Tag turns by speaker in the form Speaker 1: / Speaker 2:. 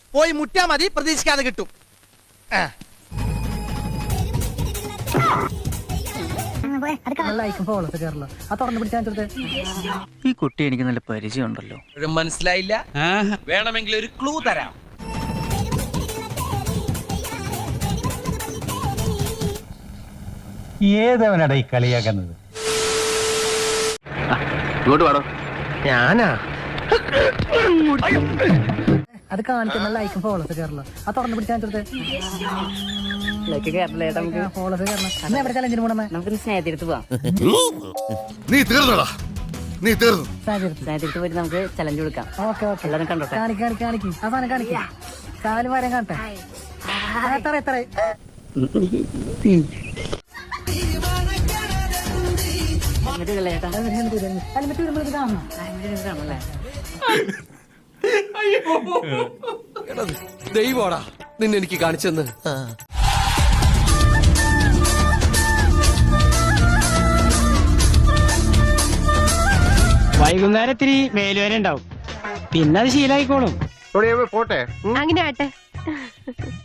Speaker 1: പോയി മുട്ടിയാ മതി, പ്രതീക്ഷിക്കാതെ കിട്ടും.
Speaker 2: ഈ കുട്ടി എനിക്ക് നല്ല പരിചയം ഉണ്ടല്ലോ.
Speaker 1: മനസ്സിലായില്ല? വേണമെങ്കിൽ ഒരു ക്ലൂ തരാം.
Speaker 3: ഏതവനടാ ഈ കളിയാക്കുന്നത്?
Speaker 2: ഇങ്ങോട്ട് പാടോ.
Speaker 1: ഞാനാ
Speaker 4: അത് കാണിക്കുന്ന ലൈക്കും ഫോളോസ് കയറല്ലോ. അത് തുറന്നു പിടിച്ചാൽ ഫോളോസ് കയറണം. എവിടെ ചലഞ്ചിന് പോണേ?
Speaker 5: നമുക്ക് സ്നേഹത്തിരുത്ത് പോവാം.
Speaker 6: നീ തീർന്നടാ, നീ തീർന്നു.
Speaker 5: സ്നേഹത്തിരുത്ത് പോയിട്ട് നമുക്ക് ചലഞ്ച് കൊടുക്കാം.
Speaker 4: ഓക്കെ ഓക്കെ,
Speaker 5: എല്ലാവരും കണ്ടോട്ടെ.
Speaker 4: കാണിക്ക് ആ സാധനം കാണിക്ക. കാല് വരാൻ കാണട്ടെ. എത്ര ഹെൽമെറ്റ് വരുമ്പോൾ ഇത് കാണണം.
Speaker 5: കാണല്ലേ?
Speaker 1: ദൈവോടാ നിന്നെ എനിക്ക് കാണിച്ചെന്ന്.
Speaker 7: വൈകുന്നേരം ഇത്തിരി മേലുവേന ഉണ്ടാവും, പിന്നെ അത് ശീലായിക്കോളും.
Speaker 8: പോട്ടെ.
Speaker 9: അങ്ങനെ ആട്ടെ.